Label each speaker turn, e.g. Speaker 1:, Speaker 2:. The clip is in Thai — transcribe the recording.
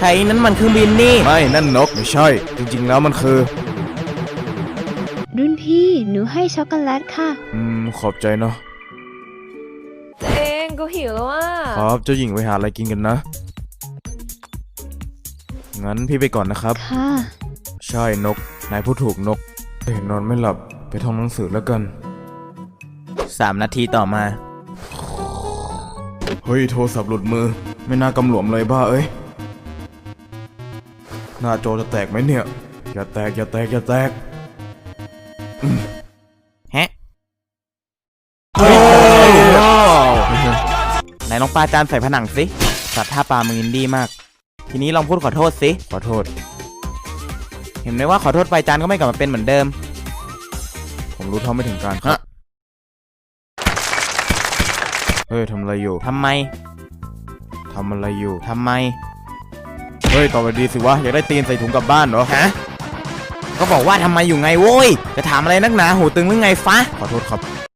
Speaker 1: ฮ้ยนั่นมันเครื่องบินนี่
Speaker 2: ไม่นั่นนกไม่ใช่จริงๆแล้วมันคือ
Speaker 3: รุ่นพี่หนูให้ช็อกโกแลตค่ะ
Speaker 2: ขอบใจเนาะ
Speaker 4: เองก็หิวแล้วอ่ะ
Speaker 2: ครับเจ้าหญิงไปหาอะไรกินกันนะงั้นพี่ไปก่อนนะครับ
Speaker 3: ค่ะ
Speaker 2: ใช่นกนายพูดถูกนกเห็นนอนไม่หลับไปท่องหนังสือแล้วกัน
Speaker 1: 3 นาทีต่อมา
Speaker 2: เฮ้ยโทรศัพท์หลุดมือไม่น่ากำหลวมเลยบ้าเอ้ยหน้าจอจะแตกไหมเนี่ยอย่าแตกอย่าแตกอย่าแตก
Speaker 1: ฮะไหนลองปาจานใส่ผนังสิสัตว์ท่าปลามึงอินดี้มากทีนี้ลองพูดขอโทษสิ
Speaker 2: ขอโทษ
Speaker 1: เห็นไหมว่าขอโทษไปจานก็ไม่กลับมาเป็นเหมือนเดิม
Speaker 2: ผมรู้เท่าไม่ถึงการครับเฮ้ยทำอะไรอยู่
Speaker 1: ทำไม
Speaker 2: เฮ้ยตอบไปดีสิวะอยากได้ตีนใส่ถุงกลับบ้านเหรอ
Speaker 1: ฮะก็บอกว่าทำไมอยู่ไงโว้ยจะถามอะไรนักหนาหูตึงหรือไงฟะ
Speaker 2: ขอโทษครับ